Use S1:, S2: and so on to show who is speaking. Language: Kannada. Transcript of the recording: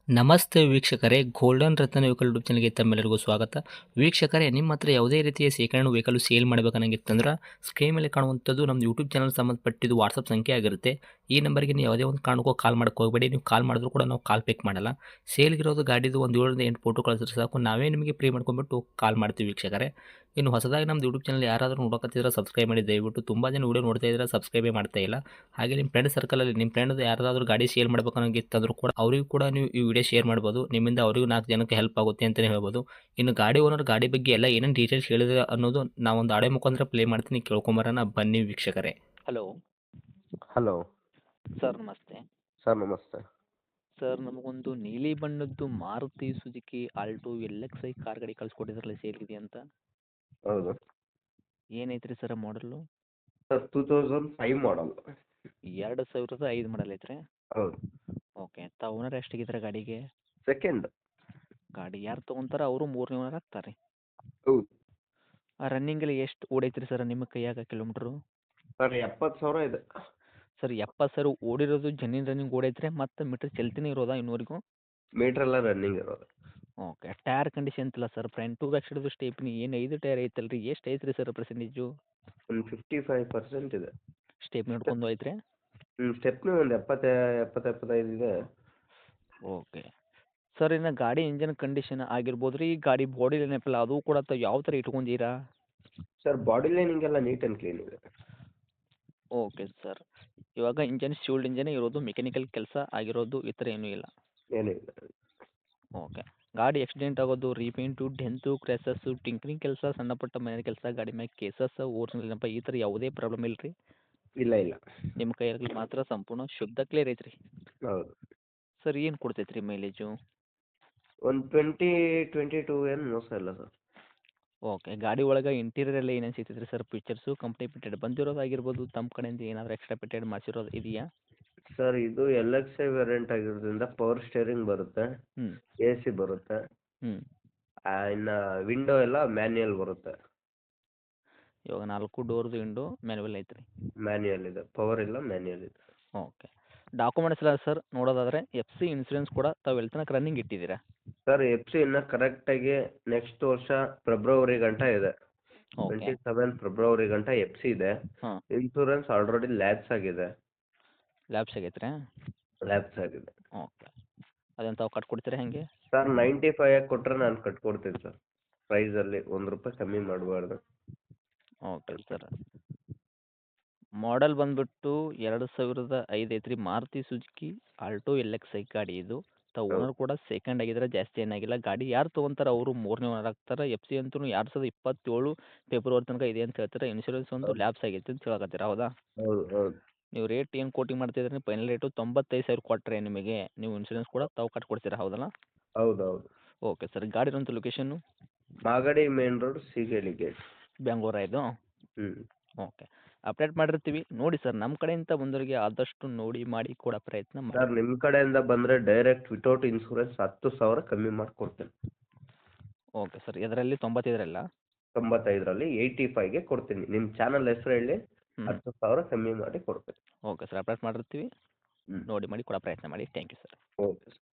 S1: ನಮಸ್ತೆ ವೀಕ್ಷಕರೇ, ಗೋಲ್ಡನ್ ರತ್ನ ವೆಹಿಕಲ್ ಯೂಟ್ಯೂಬ್ ಚಾನಲ್ಗೆ ತಮ್ಮೆಲ್ಲರಿಗೂ ಸ್ವಾಗತ. ವೀಕ್ಷಕರೇ, ನಿಮ್ಮ ಹತ್ರ ಯಾವುದೇ ರೀತಿಯ ಶೇಖರಣೆ ವೆಹಿಕಲ್ ಸೇಲ್ ಮಾಡಬೇಕನ್ನಂಗಿತ್ತಂದ್ರೆ ಸ್ಕ್ರೀನ್ ಮೇಲೆ ಕಾಣುವಂಥದ್ದು ನಮ್ಮ ಯೂಟ್ಯೂಬ್ ಚಾನಲ್ ಸಂಬಂಧಪಟ್ಟಿದ್ದು ವಾಟ್ಸಪ್ ಸಂಖ್ಯೆ ಆಗಿರುತ್ತೆ. ಈ ನಂಬರ್ಗೆ ನೀವು ಯಾವುದೇ ಒಂದು ಕಾರಣಕ್ಕೂ ಕಾಲ್ ಮಾಡಕ್ಕೆ ಹೋಗಬೇಡಿ. ನೀವು ಕಾಲ್ ಮಾಡಿದ್ರು ಕೂಡ ನಾವು ಕಾಲ್ ಪಿಕ್ ಮಾಡಲ್ಲ. ಸೇಲ್ಗಿರೋದು ಗಾಡಿದು ಒಂದು 7ರಿಂದ 8 ಫೋಟೋ ಕಳಿಸಿದ್ರೆ ಸಾಕು, ನಾವೇ ನಿಮಗೆ ಪ್ರೀ ಮಾಡ್ಕೊಂಡ್ಬಿಟ್ಟು ಕಾಲ್ ಮಾಡ್ತೀವಿ ವೀಕ್ಷಕರೇ. ಇನ್ನು ಹೊಸದಾಗಿ ನಮ್ಮದು ಯೂಟ್ಯೂಬ್ ಚಾನಲ್ ಯಾರಾದರೂ ನೋಡೋಕತ್ತಿದ್ರೆ ಸಬ್ಸ್ಕ್ರೈಬ್ ಮಾಡಿ ದಯವಿಟ್ಟು. ತುಂಬ ಜನ ವೀಡಿಯೋ ನೋಡ್ತಾ ಇದ್ದಾರೆ, ಸಬ್ಸ್ಕ್ರೈಬೇ ಮಾಡ್ತಾ ಇಲ್ಲ. ಹಾಗೆ ನಿಮ್ಮ ಫ್ರೆಂಡ್ ಸರ್ಕಲಲ್ಲಿ ನಿಮ್ಮ ಫ್ರೆಂಡ್ ಯಾರಾದರೂ ಗಾಡಿ ಸೇಲ್ ಮಾಡಬೇಕನ್ನೋಂಗಿತ್ತಂದ್ರೂ ಕೂಡ ಅವರಿಗೂ ಕೂಡ ನೀವು ಈ ವಿಡಿಯೋ ಶೇರ್ ಮಾಡ್ಬೋದು. ನಿಮ್ಮಿಂದ ಅವರಿಗೂ 4 ಜನಕ್ಕೆ ಹೆಲ್ಪ್ ಆಗುತ್ತೆ ಅಂತಲೇ ಹೇಳ್ಬೋದು. ಇನ್ನು ಗಾಡಿ ಓನರ್ ಗಾಡಿ ಬಗ್ಗೆ ಎಲ್ಲ ಏನೇನು ಡೀಟೇಲ್ಸ್ ಹೇಳಿದ್ರೆ ಅನ್ನೋದು ನಾವೊಂದು ಆಡಿಯೋ ಮುಖಾಂತರ ಪ್ಲೇ ಮಾಡ್ತೀನಿ, ಕೇಳ್ಕೊಂಬರೋಣ ಬನ್ನಿ ವೀಕ್ಷಕರೇ. ಹಲೋ
S2: ಹಲೋ
S1: ಸರ್, ನಮಸ್ತೆ.
S2: ಸರ್, ನಮಸ್ತೆ.
S1: ಸರ್, ನಮಗೊಂದು ನೀಲಿ ಬಣ್ಣದ್ದು Maruti Suzuki Alto LXi car ಗಾಡಿ ಕಳಿಸ್ಕೊಟ್ಟಿದ್ರಲ್ಲ, ಸೇಲ್ಗಿದೆ ಅಂತ.
S2: ಹೌದು
S1: ಏನೈತ್ರಿ ಸರ್ ಮಾಡಲು?
S2: ಸರ್, 2005 ಮಾಡಲ್.
S1: 2005 ಮಾಡಲ್ ಐತ್ರಿ.
S2: ಹೌದು.
S1: ಓಕೆ, ತಾವು ಓನರ್ ಎಷ್ಟಾಗಿದ್ದಾರೆ ಗಾಡಿಗೆ?
S2: ಸೆಕೆಂಡ್.
S1: ಗಾಡಿ ಯಾರು ತೊಗೊಂತಾರ ಅವರು 3ನೇ ಓನರ್ ಆಗ್ತಾರೆ.
S2: ಹೌದು
S1: ರನ್ನಿಂಗಲ್ಲಿ ಎಷ್ಟು ಓಡೈತ್ರಿ ಸರ್ ನಿಮ್ಮ ಕೈಯಾಗ ಕಿಲೋಮೀಟ್ರು?
S2: ಸರ್, 70,000 ಇದೆ.
S1: ಸರ್, 70,000 ಓಡಿರೋದು ಜೆನ್ಯೂನ್ ರನ್ನಿಂಗ್ ಓಡೈತ್ರಿ, ಮತ್ತು ಮೀಟ್ರ್ ಚಲ್ತಿನೇ ಇರೋದಾ ಇನ್ನೂವರೆಗೂ?
S2: ಮೀಟರ್ ಎಲ್ಲ ರನ್ನಿಂಗ್ ಇರೋದು.
S1: ಓಕೆ, ಟೈರ್ ಕಂಡೀಷನ್ ಇಲ್ಲ ಸರ್, ಫ್ರಂಟ್ ಟು ಬ್ಯಾಕ್ ಸೈಡ್ದು ಸ್ಟೇಪ್ನಿ ಏನು 5 ಟೈರ್ ಐತಲ್ರಿ, ಎಷ್ಟು ಐತ್ರಿ ಸರ್ ಪರ್ಸೆಂಟೇಜು?
S2: ಒಂದು 55% ಇದೆ.
S1: ಸ್ಟೇಪ್ನಿ ಹಿಡ್ಕೊಂಡು ಐತ್ರಿ?
S2: ಸ್ಟೆಪ್ನಿ ಒಂದು 70-75 ಇದೆ.
S1: ಓಕೆ ಸರ್, ಇನ್ನು ಗಾಡಿ ಇಂಜನ್ ಕಂಡೀಷನ್ ಆಗಿರ್ಬೋದು ರೀ, ಗಾಡಿ ಬಾಡಿ ಏನಪ್ಪಲ್ಲ ಅದು ಕೂಡ ತಾವು ಯಾವ ಥರ ಇಟ್ಕೊಂಡಿರಾ?
S2: ಸರ್, ಬಾಡಿ ಲೈನಿಂಗ್ ಎಲ್ಲ ನೀಟ್ ಆ್ಯಂಡ್ ಕ್ಲೀನ್ ಇದೆ.
S1: ಓಕೆ ಸರ್, ಇವಾಗ ಇಂಜನ್ ಶಿಲ್ಡ್ ಇಂಜನೇ ಇರೋದು, ಮೆಕ್ಯಾನಿಕಲ್ ಕೆಲಸ ಆಗಿರೋದು ಈ ಥರ ಏನೂ ಇಲ್ಲ?
S2: ಏನೂ ಇಲ್ಲ.
S1: ಓಕೆ, ಗಾಡಿ ಆಕ್ಸಿಡೆಂಟ್ ಆಗೋದು, ರೀಪೇಂಟು, ಡೆಂತು, ಕ್ರ್ಯಾಸಸ್ಸು, ಟಿಂಕ್ರಿಂಗ್ ಕೆಲಸ, ಸಣ್ಣ ಪುಟ್ಟ ಮನೆ ಕೆಲಸ, ಗಾಡಿ ಮ್ಯಾಗ ಕೇಸಸ್, ಓರಿಜಿನಲ್ ಏನಪ್ಪ ಈ ಥರ ಯಾವುದೇ ಪ್ರಾಬ್ಲಮ್ ಇಲ್ಲ ರೀ?
S2: ಇಲ್ಲ ಇಲ್ಲ.
S1: ನಿಮ್ಮ ಕೈಯಲ್ಲಿ ಮಾತ್ರ ಸಂಪೂರ್ಣ ಶುದ್ಧ ಕ್ಲಿಯರ್ ಐತ್ರಿ?
S2: ಹೌದು.
S1: ಸರ್, ಏನು ಕೊಡ್ತೈತ್ರಿ ಮೈಲೇಜು?
S2: ಒಂದು 20-22 ಏನು ಮೋಸ ಇಲ್ಲ ಸರ್.
S1: ಓಕೆ, ಗಾಡಿ ಒಳಗೆ ಇಂಟೀರಿಯರ್ ಎಲ್ಲ ಏನೇನು ಸಿಗ್ತೈತ್ರಿ ಸರ್? ಫೀಚರ್ಸು ಕಂಪ್ನಿ ಫಿಟೆಡ್ ಬಂದಿರೋದಾಗಿರ್ಬೋದು, ತಮ್ಮ ಕಡೆಯಿಂದ ಏನಾದರೂ ಎಕ್ಸ್ಟ್ರಾ ಫಿಟೆಡ್ ಮಾಡಿಸಿರೋದು ಇದೆಯಾ?
S2: ಸರ್, ಇದು LXi ವೇರಿಯಂಟ್ ಆಗಿರೋದ್ರಿಂದ ಪವರ್ ಸ್ಟೇರಿಂಗ್ ಬರುತ್ತೆ,
S1: ಹ್ಞೂ
S2: AC ಬರುತ್ತೆ,
S1: ಹ್ಞೂ
S2: ಇನ್ನು ವಿಂಡೋ ಎಲ್ಲ ಮ್ಯಾನ್ಯಲ್ ಬರುತ್ತೆ.
S1: ಇವಾಗ 4 ಡೋರ್ದು ವಿಂಡೋ ಮ್ಯಾನುವಲ್ ಐತ್ರಿ?
S2: ಮ್ಯಾನ್ಯಲ್ ಇದೆ, ಪವರ್ ಇಲ್ಲ, ಮ್ಯಾನ್ಯಲ್ ಇದೆ.
S1: ಓಕೆ, ಡಾಕ್ಯುಮೆಂಟ್ಸ್ ಎಲ್ಲ ಸರ್ ನೋಡೋದಾದರೆ FC ಇನ್ಸೂರೆನ್ಸ್ ಕೂಡ ತಾವು ಎಲ್ಲಿ ತನಕ ರನ್ನಿಂಗ್ ಇಟ್ಟಿದ್ದೀರಾ?
S2: ಸರ್, FC ಇನ್ನು ಕರೆಕ್ಟಾಗಿ ನೆಕ್ಸ್ಟ್ ವರ್ಷ ಫೆಬ್ರವರಿ ಗಂಟ ಇದೆ.
S1: ಓಕೆ
S2: 27 ಫೆಬ್ರವರಿ ಗಂಟ FC ಇದೆ.
S1: ಹಾಂ,
S2: ಇನ್ಸೂರೆನ್ಸ್ ಆಲ್ರೆಡಿ ಲ್ಯಾಪ್ಸ್ ಆಗಿದೆ.
S1: ಲ್ಯಾಬ್ಸ್ ಆಗೈತ್ರಿ?
S2: ಲ್ಯಾಪ್ಸ್ ಆಗಿದೆ.
S1: ಓಕೆ, ಅದನ್ನು ತಾವು ಕಟ್ಕೊಡ್ತೀರಾ ಹೆಂಗೆ?
S2: ಸರ್, 95 ಕೊಟ್ಟರೆ ನಾನು ಕಟ್ಕೊಡ್ತೀನಿ ಸರ್. ಪ್ರೈಸಲ್ಲಿ ₹1 ಕಮ್ಮಿ ಮಾಡಬಾರ್ದು.
S1: ಓಕೆ ಸರ್, ಮಾಡೆಲ್ ಬಂದುಬಿಟ್ಟು 2005 ಐತ್ರಿ, ಮಾರುತಿ ಸುಜುಕಿ ಆಲ್ಟೋ LXi ಗಾಡಿ ಇದು. ತಾವು
S2: ಹೌದು.
S1: ಓನರ್ ಕೂಡ ಸೆಕೆಂಡ್ ಆಗಿದ್ರೆ, ಜಾಸ್ತಿ ಏನಾಗಿಲ್ಲ. ಗಾಡಿ ಯಾರು ತೊಗೊಂತಾರೆ ಅವರು 3ನೇ ಓನರ್ ಆಗ್ತಾರೆ. FC ಅಂತೂ 2027 ಫೆಬ್ರವರಿ ತನಕ ಇದೆ ಅಂತ ಹೇಳ್ತಾರೆ. ಇನ್ಶೂರೆನ್ಸ್ ಒಂದು
S2: ಹೌದು
S1: ಲ್ಯಾಪ್ಸ್ ಆಗೈತೆ ಅಂತ ಹೇಳಕತ್ತೀರಾ, ಹೌದಾ?
S2: ಹೌದು ಹೌದು
S1: ನೀವು ರೇಟ್ ಏನು ಕೋಟಿಂಗ್ ಮಾಡ್ತಿದ್ರಿ? ಫೈನಲ್ ರೇಟು 95,000 ಕೊಟ್ಟರೆ ನಿಮಗೆ ನೀವು ಇನ್ಶೂರೆನ್ಸ್ ಕೂಡ ತಾವು ಕಟ್ಕೊಡ್ತೀರಾ, ಹೌದಲ್ಲ?
S2: ಹೌದು ಹೌದು.
S1: ಓಕೆ ಸರ್, ಗಾಡಿ ಇರೋಂಥ location
S2: Magadi main road, Seegehalli gate.
S1: ಬೆಂಗಳೂರಾ ಇದು?
S2: ಹ್ಞೂ.
S1: ಓಕೆ, ಅಪ್ಡೇಟ್ ಮಾಡಿರ್ತೀವಿ ನೋಡಿ ಸರ್. ನಮ್ಮ ಕಡೆಯಿಂದ ಬಂದವರಿಗೆ ಆದಷ್ಟು ನೋಡಿ ಮಾಡಿ ಕೊಡೋ ಪ್ರಯತ್ನ ಮಾಡಿ.
S2: ಸರ್, ನಿಮ್ಮ ಕಡೆಯಿಂದ ಬಂದರೆ ಡೈರೆಕ್ಟ್ ವಿತೌಟ್ ಇನ್ಸೂರೆನ್ಸ್ 10,000 ಕಮ್ಮಿ ಮಾಡಿಕೊಡ್ತೀನಿ.
S1: ಓಕೆ ಸರ್, ಇದರಲ್ಲಿ 95ರಲ್ಲ?
S2: 95ರಲ್ಲಿ 85ಗೆ ಕೊಡ್ತೀನಿ. ನಿಮ್ಮ ಚಾನಲ್ ಹೆಸರು ಹೇಳಿ,
S1: ಹ್ಞೂ
S2: 10,000 ಕಮ್ಮಿ ಮಾಡಿ ಕೊಡ್ತೀನಿ.
S1: ಓಕೆ ಸರ್, ಅಪ್ಡೇಟ್ ಮಾಡಿರ್ತೀವಿ,
S2: ಹ್ಞೂ.
S1: ನೋಡಿ ಮಾಡಿ ಕೊಡೋ ಪ್ರಯತ್ನ ಮಾಡಿ. Thank you sir.
S2: Okay sir.